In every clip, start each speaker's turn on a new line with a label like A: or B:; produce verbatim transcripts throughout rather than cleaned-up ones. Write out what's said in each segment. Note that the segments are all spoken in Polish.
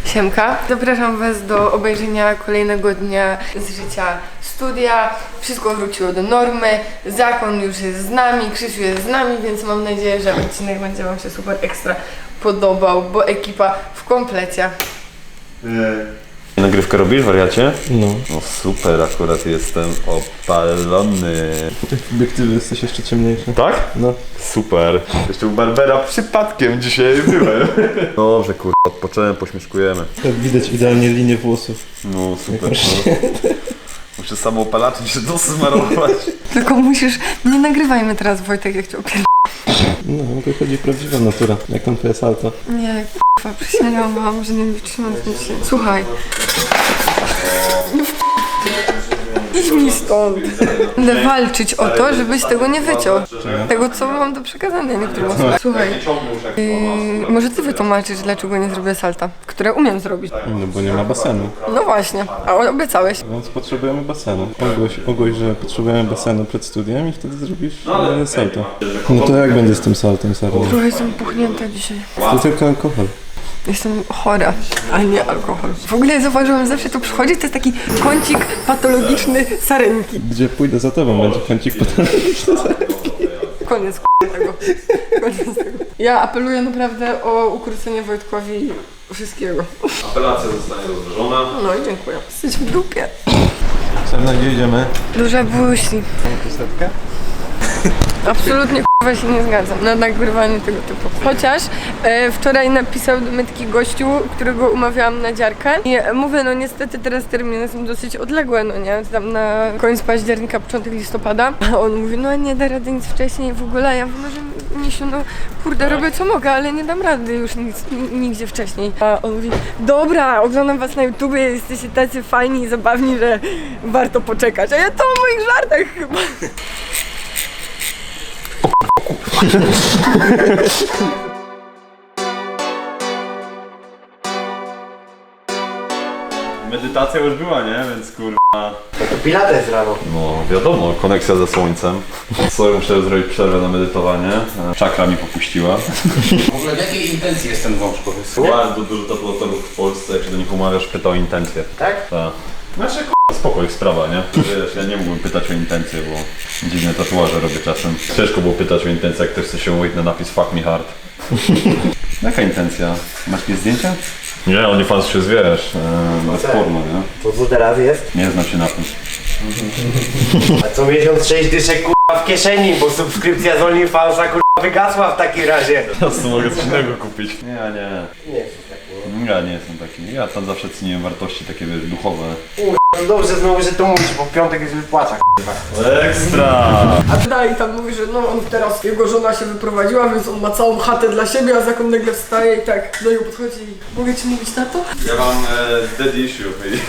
A: Siemka. Zapraszam Was do obejrzenia kolejnego dnia z życia studia. Wszystko wróciło do normy. Zakon już jest z nami, Krzysiu jest z nami, więc mam nadzieję, że odcinek będzie Wam się super ekstra podobał, bo ekipa w komplecie.
B: Yy. Nagrywkę robisz, wariacie?
C: No.
B: No super, akurat jestem opalony.
C: Tych obiektywy jesteś jeszcze ciemniejszy.
B: Tak?
C: No.
B: Super. Jeszcze u Barbera przypadkiem dzisiaj byłem. Dobrze, kurwa, odpocząłem, pośmieszkujemy.
C: Tak widać idealnie linię włosów.
B: No super. No. Muszę samoopalaczem się dosmarować.
A: Tylko musisz... Nie nagrywajmy teraz, Wojtek, jak Cię opier...
C: No, wychodzi prawdziwa natura. Jak tam twoje salto?
A: Nie, k***a, przysięgam Wam, że nie wytrzymam z tym się. Słuchaj. Idź mi stąd. Będę walczyć o to, żebyś tego nie wyciął. Tego, co mam do przekazania niektórym osobom. Słuchaj, yy, może Ty wytłumaczysz, dlaczego nie zrobię salta, które umiem zrobić.
C: No bo nie ma basenu.
A: No właśnie, a obiecałeś.
C: Więc potrzebujemy basenu. Ogłoś, ogłoś, że potrzebujemy basenu przed studiem i wtedy zrobisz e, salto. No to jak będzie z tym saltem, Sarno?
A: Trochę jestem puchnięta dzisiaj.
C: To tylko alkohol.
A: Jestem chora, a nie alkohol. W ogóle zauważyłam, że zawsze tu przychodzi, to jest taki kącik patologiczny sarenki.
C: Gdzie pójdę za tobą, będzie kącik patologiczny.
A: Koniec tego. Koniec tego. Ja apeluję naprawdę o ukrócenie Wojtkowi wszystkiego.
B: Apelacja zostanie rozważona.
A: No i dziękuję. Jesteś w dupie.
C: Sarna, gdzie idziemy?
A: Duża buźni.
C: Pusetkę?
A: Absolutnie k***wa się nie zgadzam na nagrywanie tego typu. Chociaż e, wczoraj napisał do mnie taki gościu, którego umawiałam na dziarkę i e, mówię, no niestety teraz terminy są dosyć odległe, no nie, tam na koniec października, początek listopada. A on mówi, no nie da rady nic wcześniej w ogóle. Ja mówię, że Misiu, no kurde, robię co mogę, ale nie dam rady już nic, nigdzie wcześniej. A on mówi, dobra, oglądam was na YouTubie, jesteście tacy fajni i zabawni, że warto poczekać. A ja to o moich żartach chyba.
B: Medytacja już była, nie? Więc kurwa.
D: To pilates rano.
B: No wiadomo, koneksja ze słońcem. Sorry, muszę zrobić przerwę na medytowanie. Czakra mi popuściła.
D: W ogóle w jakiej intencji jest ten wąż, powiedz?
B: Bardzo dużo tatuatorów w Polsce, jak się do nich umawiasz, pyta o intencje.
D: Tak?
B: Tak. Znaczy k***a, spoko, ich sprawa, nie? Wiesz, ja nie mógłbym pytać o intencje, bo dziwne tatuaże robię czasem. Ciężko było pytać o intencje, jak ktoś chce się umówić na napis fuck me hard. Jaka intencja? Masz jakieś zdjęcia? Nie, OnlyFans się zwierz, e, bez porno, nie?
D: To co teraz jest?
B: Nie znam się na tym.
D: A co miesiąc sześć dyszek kurwa w kieszeni, bo subskrypcja z OnlyFansa kurwa wygasła w takim razie.
B: Teraz to mogę coś innego kupić. Nie, nie.
D: Nie jest taki, nie?
B: Ja nie jestem taki. Ja tam zawsze ceniłem wartości takie, wiesz, duchowe.
D: No dobrze znowu, że to mówisz, bo w piątek jest wypłaca kurwa.
B: Ekstra!
A: A dalej tam mówi, że no on teraz, jego żona się wyprowadziła, więc on ma całą chatę dla siebie, a zakon nagle wstaje i tak do niego podchodzi i mogę ci mówić na to?
B: Ja mam e, dead issue.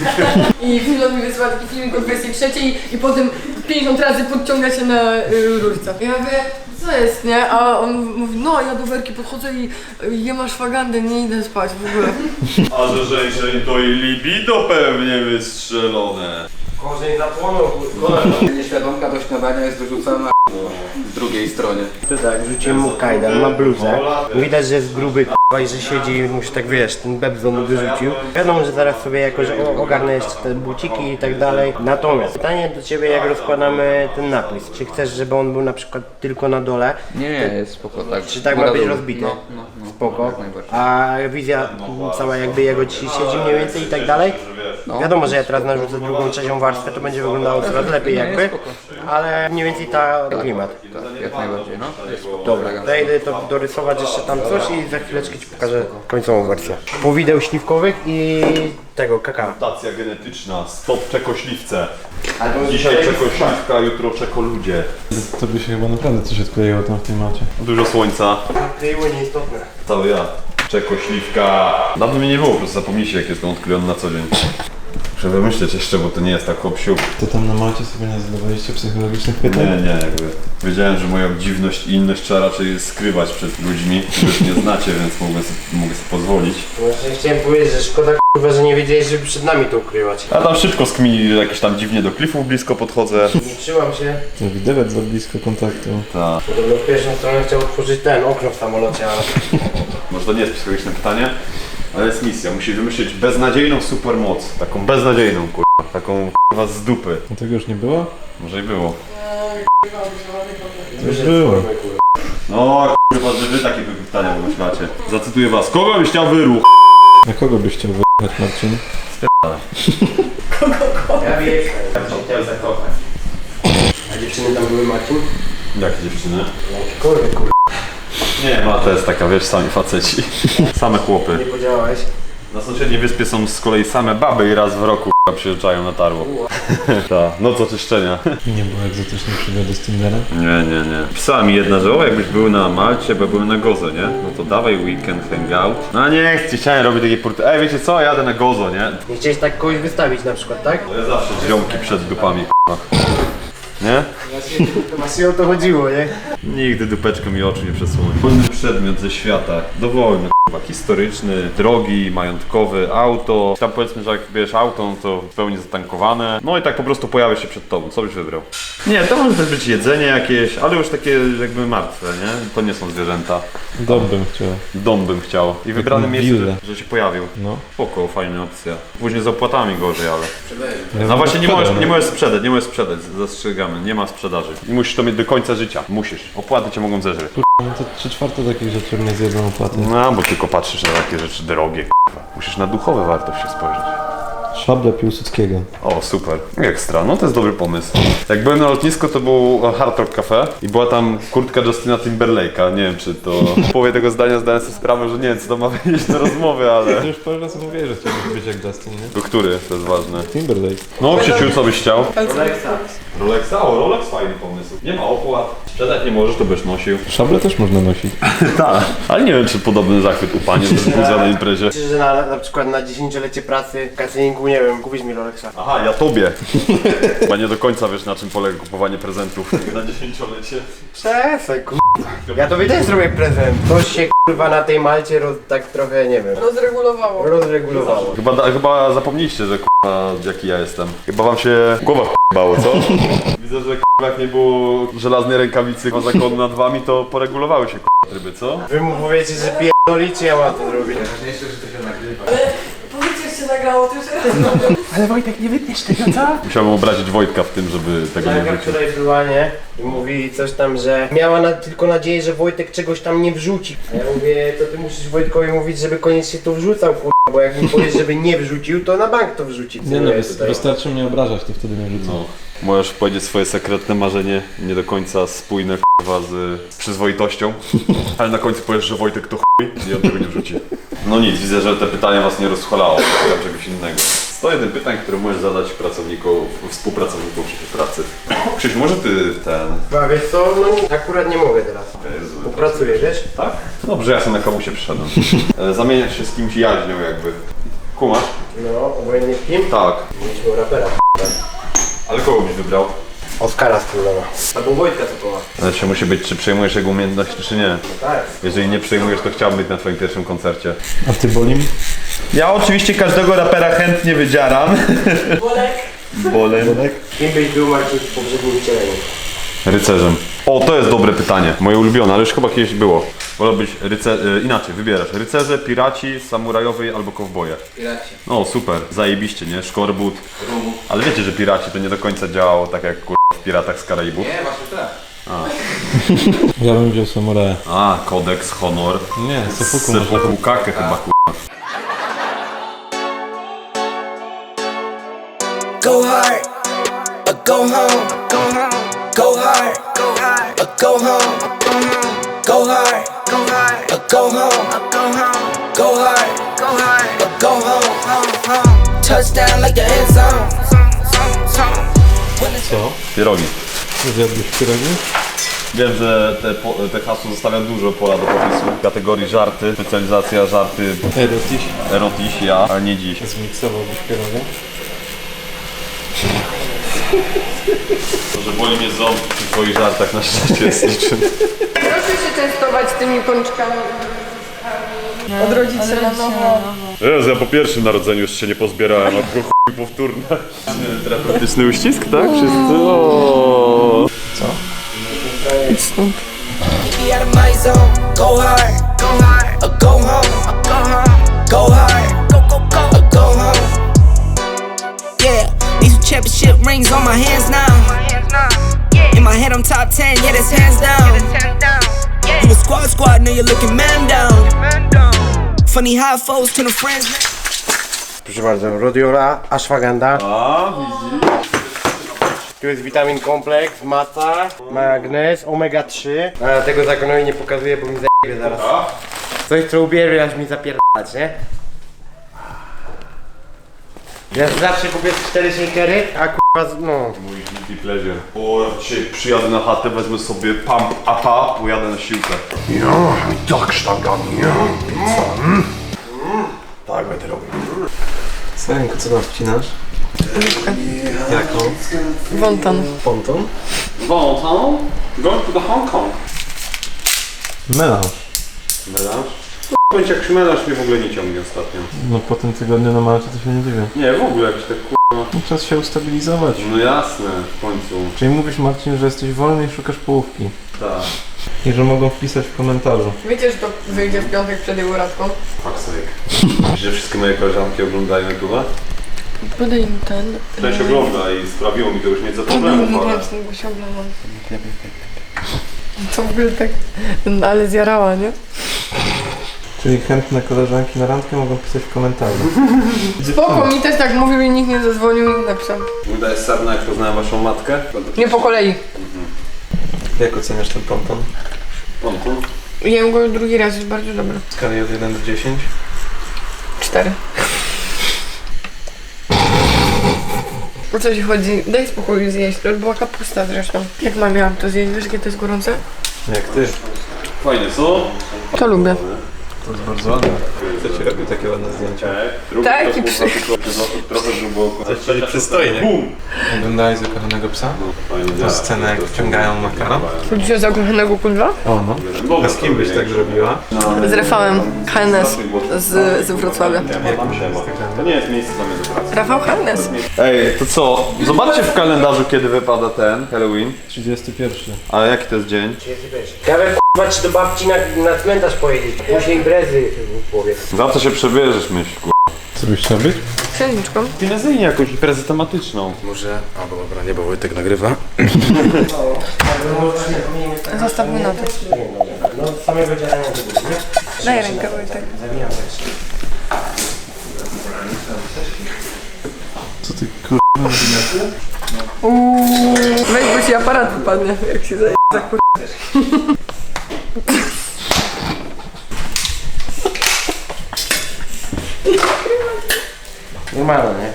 A: I Filon mi wysyła taki filmik o dwudziestej trzeciej i potem pięćdziesiąt razy podciąga się na y, rurce. Ja mówię, co jest, nie? A on mówi, no ja do Werki podchodzę i y, jem ashwagandę, nie idę spać w ogóle.
B: A że żeńszeń to i libido pewnie wystrzelone.
D: Korzeń zapłonął kurwa.
E: Nieświadomka do śniadania jest wyrzucana w drugiej stronie.
D: To tak, rzuciłem mu kajdan, ma bluzę. Widać, że jest gruby k***a i że siedzi i mu się tak wiesz, ten bebzo mu wyrzucił. Wiadomo, że zaraz sobie jakoś o- ogarnę jeszcze te buciki i tak dalej. Natomiast pytanie do ciebie, jak rozkładamy ten napis. Czy chcesz, żeby on był na przykład tylko na dole?
E: Nie, nie, jest spoko, tak.
D: Czy tak ma
E: Góra
D: być
E: dół.
D: rozbity?
E: No, no, no.
D: Spoko.
E: Jak najbardziej.
D: A wizja cała jakby jego ci siedzi mniej więcej i tak dalej?
E: No.
D: Wiadomo, że ja teraz narzucę drugą, trzecią warstwę, to będzie wyglądało coraz lepiej
E: Nie,
D: jakby.
E: jest spoko.
D: Ale mniej więcej ta klimat.
E: Tak, jak najbardziej, no. Jest spoko.
D: Dobra, zajdę to dorysować jeszcze tam coś i za chwileczkę ci pokażę końcową wersję. Powideł śliwkowych i tego kakao.
B: Mutacja genetyczna, stop czekośliwce. Dzisiaj czekośliwka, jutro czekoludzie.
C: Tobie się chyba naprawdę coś odkleiło tam w tej macie.
B: Dużo słońca,
D: Kryło nieistotne.
B: cały ja. Czekośliwka. Dawno mnie nie było, po prostu zapomnijcie, jak jestem odklejony na co dzień. Muszę wymyśleć jeszcze, bo to nie jest tak hop-siup.
C: To tam na macie sobie nie zadawaliście psychologicznych pytań?
B: Nie, nie, jakby wiedziałem, że moją dziwność i inność trzeba raczej skrywać przed ludźmi, których nie znacie, więc mogę sobie, mogę sobie pozwolić.
D: Właśnie chciałem powiedzieć, że szkoda k***a, że nie wiedziałeś, żeby przed nami to ukrywać.
B: A tam szybko skmini, jakieś tam dziwnie do klifów blisko podchodzę.
D: Nie trzymam się.
C: No widać za blisko kontaktu.
B: Ta.
D: Podobno w pierwszą stronę chciał otworzyć ten okno w samolocie, ale...
B: Może to nie jest psychologiczne pytanie? Ale jest misja, musisz wymyślić beznadziejną supermoc. Taką beznadziejną, kurwa. Taką kurwa z dupy.
C: A tego już nie było?
B: Może i było.
C: To już było.
B: No kurwa, że wy takie pytania wymyślacie. Zacytuję was. Kogo byś chciał wyruch?
C: Na kogo byś chciał wyjechać, Marcin?
D: Ja wiem, ja bym się chciał zakochać. A dziewczyny tam były, Marcin?
B: Jakie dziewczyny?
D: Kurde, kurde,
B: Nie, ma to jest taka, wiesz, sami faceci. Same chłopy.
D: nie podziałałeś.
B: Na sąsiedniej wyspie są z kolei same baby i raz w roku k***a, przyjeżdżają na tarło. Ta, noc oczyszczenia.
C: Nie było egzotycznej przygody z Tindera?
B: Nie, nie, nie. Pisała mi jedna, że o, jakbyś był na Malcie, bo byłem na Gozo, nie? No to dawaj weekend hangout. No nie chcę, chciałem robić takie porty. Ej, wiecie co, jadę na Gozo, nie?
D: Nie chciałeś tak kogoś wystawić na przykład, tak?
B: No ja zawsze ziomki przed dupami, k***a. Nie?
D: Właśnie o to chodziło, nie?
B: Nigdy dupeczką mi oczu nie przesłoni. Wolny przedmiot ze świata, dowolny, k***a, historyczny, drogi, majątkowy, auto. Tam powiedzmy, że jak bierzesz auto, no to w pełni zatankowane. No i tak po prostu pojawia się przed tobą, co byś wybrał? Nie, to może też być jedzenie jakieś, ale już takie jakby martwe, nie? To nie są zwierzęta.
C: Dom bym chciał.
B: Dom bym chciał. I wybrane
C: Taką
B: miejsce,
C: willę.
B: że, że się pojawił.
C: No.
B: Spoko, fajna opcja. Później z opłatami gorzej, ale...
C: Ja
B: No właśnie nie
C: szkoda,
B: możesz,
C: no.
B: nie możesz sprzedać, nie możesz sprzedać, zastrzegamy, nie ma sprzedaży. I musisz to mieć do końca życia, musisz. Opłaty cię mogą zeżreć.
C: No to trzy czwarte takich rzeczy mnie zjedzą opłaty.
B: No, bo tylko patrzysz na takie rzeczy drogie, k***a. Musisz na duchowe wartości spojrzeć.
C: Szable Piłsudskiego.
B: O, super. Ekstra, no to jest dobry pomysł. Jak byłem na lotnisku, to był Hard Rock Cafe i była tam kurtka Justina Timberlake'a. Nie wiem, czy to... W połowie tego zdania zdałem sobie sprawę, że nie wiem, co to ma wyjść do rozmowy, ale...
C: Ty już parę razy mówiłeś, że chciałbyś być jak Justin, nie?
B: Do który? To jest ważne.
C: Timberlake.
B: No, Krzysiu, co byś chciał?
D: Rolexa.
B: Rolexa? O, Rolex fajny pomysł. Nie ma opłat. Sprzedać nie możesz, to byś nosił.
C: Szable też można nosić.
B: Tak. Ale nie wiem, czy podobny zachwyt u pani wzbudza na imprezie.
D: Myślę, że na, na przykład na dziesięciolecie pracy w cateringu, nie wiem, kupić mi Rolexa.
B: Aha, ja tobie. Chyba nie do końca wiesz, na czym polega kupowanie prezentów na dziesięciolecie.
D: Przestań, kurwa. Ja tobie też zrobię prezent. Coś się kurwa na tej Malcie roz, tak trochę, nie wiem,
A: Rozregulowało.
D: rozregulowało.
B: Chyba, da- chyba zapomnieliście, że k***a, jaki ja jestem. Chyba wam się głowa k***bało, co? Widzę, że k***a, jak nie było żelaznej rękawicy k***a, zakonu nad wami, to poregulowały się k***a, tryby, co?
D: Wy mu powiecie, że pierdolicie, ja mam to zrobić.
E: Najważniejsze, że to się nagrywa.
A: Powiedzcie, że się nagrało, to już
D: Ale Wojtek, nie wytniesz tego, co?
B: Musiałbym obrazić Wojtka w tym, żeby tego nie
D: Jaka
B: wrócił.
D: wczoraj była, nie? I mówi coś tam, że miała na, tylko nadzieję, że Wojtek czegoś tam nie wrzuci. A ja mówię, to ty musisz Wojtkowi mówić, żeby koniecznie to wrzucał, kurwa, bo jak mi powiesz, żeby nie wrzucił, to na bank to wrzuci.
C: Nie no,
D: Cynuję
C: wys-
D: tutaj.
C: wystarczy mnie obrażać, to wtedy nie rzucą.
B: No. Możesz powiedzieć swoje sekretne marzenie, nie do końca spójne k***wa z przyzwoitością, ale na końcu powiesz, że Wojtek to chuj i on tego nie wrzuci. No nic, widzę, że te pytania was nie rozchwalało, szukam czegoś innego. sto jeden pytań, które możesz zadać pracownikom, współpracownikom przy pracy. Krzysiu, może ty ten...
D: Chyba, wiesz co, no akurat nie mogę teraz. Bo pracuję, wiesz?
B: Tak? Dobrze, ja sobie na kamusie przyszedłem. E, Zamieniać się z kimś jaźnią jakby. Kumasz?
D: No, obojętnie z kim?
B: Tak.
D: Mieliśmy rapera.
B: Ale kogo byś wybrał?
D: Oskara z Królowa. Albo Wojtka Sokoła.
B: Znaczy musi być, czy przejmujesz jego umiejętności, czy nie.
D: Tak.
B: Jeżeli nie przejmujesz, to chciałbym być na twoim pierwszym koncercie.
C: A ty Bolim?
B: Ja oczywiście każdego rapera chętnie wydzieram.
A: Bolek.
B: Bolem.
D: Kim byś był, Marcin, w poprzednim wcieleniu?
B: Rycerzem. O, to jest dobre pytanie. Moje ulubione, ale już chyba kiedyś było. Wolałbyś ryce... y, inaczej, wybierasz. Rycerze, piraci, samurajowie albo kowboje.
E: Piraci.
B: No super, zajebiście, nie? Szkorbut.
E: Rumu.
B: Ale wiecie, że piraci to nie do końca działało tak jak kur... w Piratach z Karaibów.
E: Nie, właśnie tak.
C: Ja bym wziął samuraja.
B: A, kodeks, honor.
C: Nie, Sofuku można
B: Sepuku kakę chyba kur...
F: Go hard or go home. Go home. Go hard. Go hard. Or go home. Go hard. Go hard. Or go home. Go home. Go hard. Go hard. Or go home. Touchdown like the end zone.
C: Co?
B: Pierogi.
C: Zjadłbyś pierogi?
B: Wiem, że te, po, te hasło zostawia dużo pola do popisu. W kategorii żarty, specjalizacja żarty,
C: Erotiś.
B: erotiś, ja, ale nie dziś.
C: Zmiksowałbyś pierogi?
B: To, że boli mnie ząb przy twoich żartach na szczęście jest niczym.
A: Proszę się częstować tymi pączkami. Odrodzić się na nowo.
B: Jezu, ja po pierwszym narodzeniu już się nie pozbierałem, a tylko chuj powtórne. Terapeutyczny uścisk, tak? Wszyscy? O.
F: Be out of my zone. Go hard. Go hard. Or go home. Go home. Go hard. Fuck rings on my hands now. In my head I'm top ten, yeah that's hands down. You a squad squad, now you're looking man down. Funny how foes turn to friends.
D: Proszę bardzo, Rodiola, ashwagandha.
B: A, widzisz?
D: Tu jest witamin kompleks, maca, magnez, omega trzy. A tego zakonowi nie pokazuję, bo mi zajebie zaraz. Coś co ubierze, aż mi zapierdalać, nie? Ja zawsze kupię cztery shakery, a kurwa, no.
B: Mój guilty pleasure. O, ja dzisiaj przyjadę na chatę, wezmę sobie pump upa, pojadę na siłkę. Ja, tak sztangami, ja, pizza. Mm. Tak będę robił.
C: Sarenko, co tam wcinasz? Jaką?
A: Wonton.
C: Ponton?
B: Wonton? Going to the Hong Kong.
C: Melanż.
B: Melanż? Bądź jak melanż mnie w ogóle nie ciągnie ostatnio.
C: No po tym tygodniu na Malcie to się nie dziwię.
B: Nie, w ogóle jakiś tak k***a.
C: No, czas się ustabilizować.
B: No jasne, w końcu.
C: Czyli mówisz, Marcin, że jesteś wolny i szukasz połówki.
B: Tak.
C: I że mogą wpisać w komentarzu.
A: Wiecie, że to wyjdzie w piątek przed jego radką?
B: Fuck sake. Że wszystkie moje koleżanki oglądają YouTube'a?
A: Podaj im ten.
B: Część ogląda i sprawiło mi to już nieco
A: Podaj
B: problemów,
A: mu
B: ale...
A: ręczny, bo się oblałam. To w ogóle tak... No, ale zjarała, nie?
C: Czyli chętne koleżanki na randkę mogą pisać w komentarzu.
A: Spoko, mi też tak mówił i nikt nie zadzwonił, nikt napisał.
B: Udaje sarna, jak poznałem waszą matkę?
A: Nie po kolei.
C: Jak oceniasz ten ponton?
B: Ponton?
A: Jem go drugi raz, jest bardzo dobry.
C: W skali od jeden do dziesięciu?
A: Cztery. O co ci chodzi? Daj spokój zjeść, to była kapusta zresztą. Jak mam miałam to zjeść? Wiesz, jakie to jest gorące?
C: Jak ty.
B: Fajnie, co?
A: To lubię.
C: To jest bardzo ładne. Kto ci robił takie ładne zdjęcia?
A: Tak, i przy...
B: Trochę było.
C: Czyli przystojnie.
B: Bum!
C: Oglądałeś Zakochanego Psa? Tą scenę, jak wciągają makaron?
A: Chodzi o zakochanego kudla?
C: O no. A z kim byś tak zrobiła?
A: Z Rafałem H N S z, z Wrocławia.
B: To nie jest miejsce dla mnie do pracy.
A: Rafał H N S.
B: Ej, to co? Zobaczcie w kalendarzu, kiedy wypada ten Halloween.
C: trzydziesty pierwszy.
B: Ale jaki to jest dzień?
D: Nawet k***a ci do babci na, na cmentarz pojedzieć. Później imprezy, powiedz.
B: Za co się przebierzesz, myśl, ku...
C: Co byś chciał być?
A: Księżniczką.
B: Finezyjnie jakąś imprezę tematyczną.
E: Może... A, bo dobra, nie, bo Wojtek nagrywa.
A: Zostawmy na to.
D: No z samego działania to było, nie?
A: Daj rękę, Wojtek.
D: Zabijam też.
C: Co ty kur...
A: Uuu. Weź, bo ci aparat wypadnie, jak się zaje za kur...
D: Normalne, nie?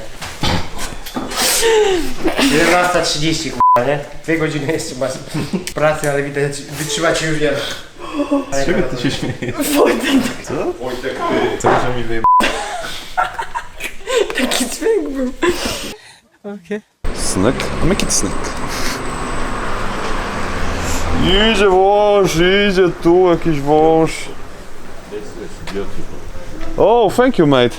D: jedenasta trzydzieści k***a, nie? Dwie godziny jeszcze masz pracy, ale widać, wytrzymać już wiele.
C: Z czego ty się śmiejesz? Co?
B: Wojtek, ty.
C: Co chciał mi wyjebać?
A: Taki dźwięk był.
B: Snack? Make it snack. Idzie wąż, idzie tu jakiś wąż. Oh, thank you, mate.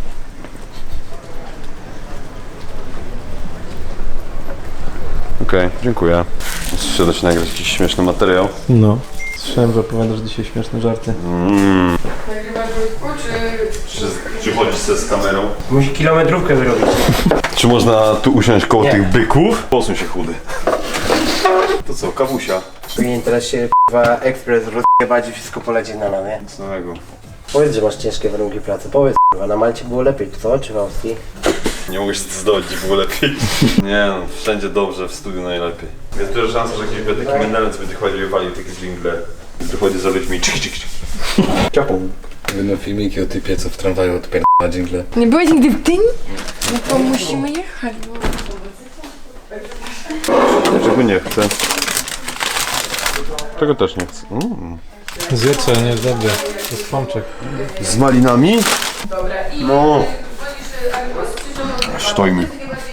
B: Okej, okay, dziękuję. Muszę dać nagrać jakiś śmieszny materiał.
C: No. Słyszałem, że opowiadasz dzisiaj śmieszne żarty.
B: Mm.
A: Nagrywasz Wojtku, czy...
B: Czy, czy chodzisz sobie z kamerą?
D: Musi kilometrówkę zrobić.
B: Czy można tu usiąść koło
D: Nie.
B: tych byków? Posuń się, chudy. To co, kawusia?
D: Powinien teraz się k***a ekspres rozjebać i wszystko polecieć na nam, nie?
B: Nic nowego.
D: Powiedz, że masz ciężkie warunki pracy. Powiedz k***a, na Malcie było lepiej, co? Czy w Austrii?
B: Nie mogłeś zdobyć, było lepiej. Nie no, wszędzie dobrze, w studiu najlepiej. Jest duża szansa, że jakiś będzie taki menelec będzie chodził i walił takie dżingle. Wychodzi za ludźmi, czyk, czyk, czyk. Ciapą.
E: Będą filmiki o typie, co w tramwaju odpierdala dżingle.
A: Nie byłeś nigdy w Gdyni? No to musimy jechać, bo...
B: Dlaczego nie chcę? Tego też nie chcę. Mm.
C: Zjedz, ale nie jest dobrze. To jest pączek.
B: Z malinami?
A: Dobra, i...
B: No. Stojmy.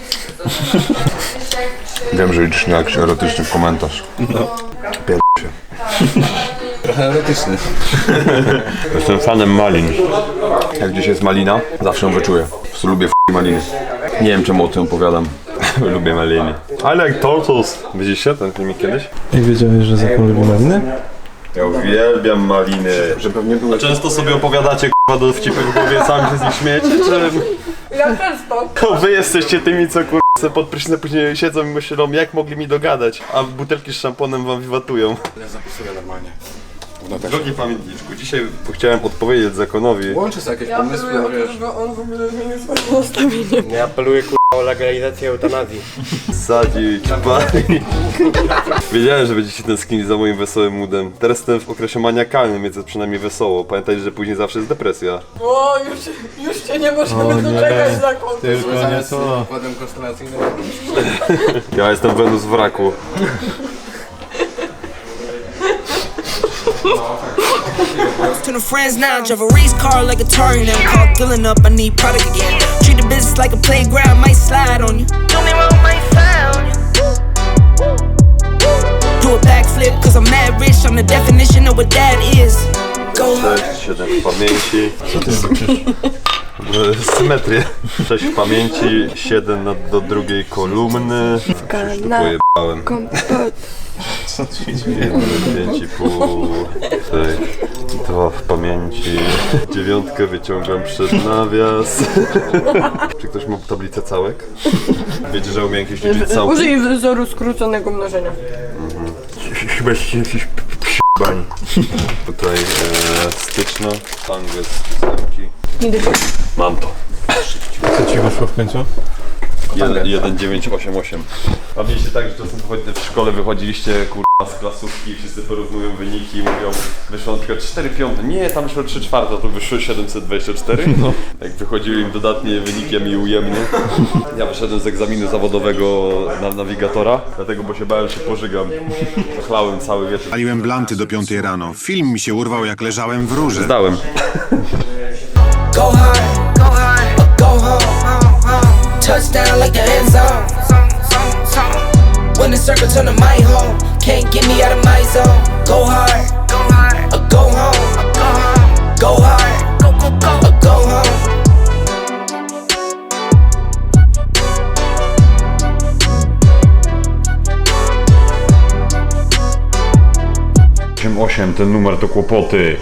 B: Wiem, że liczysz na jakiś erotyczny komentarz. No. Pier... się.
E: Trochę erotyczny.
B: Jestem fanem malin. Jak gdzieś jest malina, zawsze ją wyczuję. Po prostu lubię f***ing maliny. Nie wiem, czemu o tym opowiadam. Lubię maliny. I like turtles. Widzieliście ten filmik kiedyś?
C: Jak wiedziałeś, że Zakon lubi maliny?
B: Ja uwielbiam maliny. Że pewnie były... A często sobie opowiadacie k***a dowcipy w głowie, sami się z nich śmiejecie, czy...
A: Ja często.
B: To wy jesteście tymi, co k***a
C: se pod prysznicem później siedzą i myślą, jak mogli mi dogadać, a butelki z szamponem wam wiwatują.
E: Ja zapisuję normalnie.
C: Drogi pamiętniczku, dzisiaj chciałem odpowiedzieć zakonowi.
E: Łączy sobie jakieś
A: Ja
E: pomysły,
A: apeluję o
E: wiesz.
A: to, żeby on w ogóle zmienił swoje nastawienie.
D: Ja apeluję k***a o legalizację eutanazji.
C: Sadzić, palić. Wiedziałem, że będziecie tęsknili za moim wesołym moodem. Teraz jestem w okresie maniakalnym, więc jest przynajmniej wesoło. Pamiętajcie, że później zawsze jest depresja.
A: O, już, już cię nie możemy doczekać na końcu.
C: Tylko nie to.
E: Układem konstelacyjnym.
C: Ja jestem Wenus w raku.
F: To the friends now, drive a race car like a Atari now. Call filling up, I need product again. Treat the business like a playground, might slide on you. Do me wrong, might slide on you. Do a backflip, cause I'm mad rich. I'm the definition of what that is. Go hard.
C: sześć, siedem w pamięci. Co ty robisz? Symetrię. sześć w pamięci, siedem na, do drugiej kolumny. Coś tu pojebałem.
A: Kompot.
C: pięć i pół. dwa w pamięci. Dziewiątkę wyciągam przed nawias. Czy ktoś ma tablicę całek? Wiecie, że umiem jakieś liczyć całki?
A: Użyj wzoru skróconego mnożenia.
C: Chyba jakiś p***bań. Tutaj e, styczno, angiels, ósemki. Mam to.
G: Co ci wyszło w końcu?
C: jeden dziewięć osiem osiem. A mieliście tak, że czasem wychodzi- w szkole wychodziliście kurwa z klasówki i wszyscy porównują wyniki i mówią, wyszło na przykład cztery piąte, nie, tam wyszło trzy czwarte, to wyszło siedemset dwadzieścia cztery. No. Jak wychodziły im dodatnie wyniki, a mi ujemne. Ja wyszedłem z egzaminu zawodowego na nawigatora, dlatego, bo się bałem, że się pożygam. Zachlałem cały wieczór.
H: Paliłem blanty do piątej rano. Film mi się urwał, jak leżałem w rurze.
C: Zdałem.
F: Go hard, go hard, or go home. Touchdown like the end zone. When the circle turn to my home, can't get me out of my zone. Go hard, go hard, or go home. Go hard, go go go, or go home.
B: osiem osiem, ten numer to kłopoty.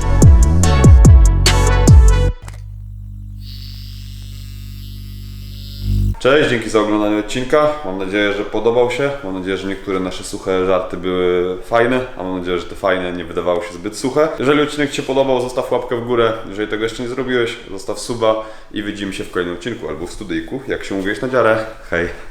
B: Cześć, dzięki za oglądanie odcinka. Mam nadzieję, że podobał się. Mam nadzieję, że niektóre nasze suche żarty były fajne, a mam nadzieję, że te fajne nie wydawało się zbyt suche. Jeżeli odcinek Ci się podobał, zostaw łapkę w górę. Jeżeli tego jeszcze nie zrobiłeś, zostaw suba i widzimy się w kolejnym odcinku albo w studyjku, jak się mówiłeś na dziarę. Hej!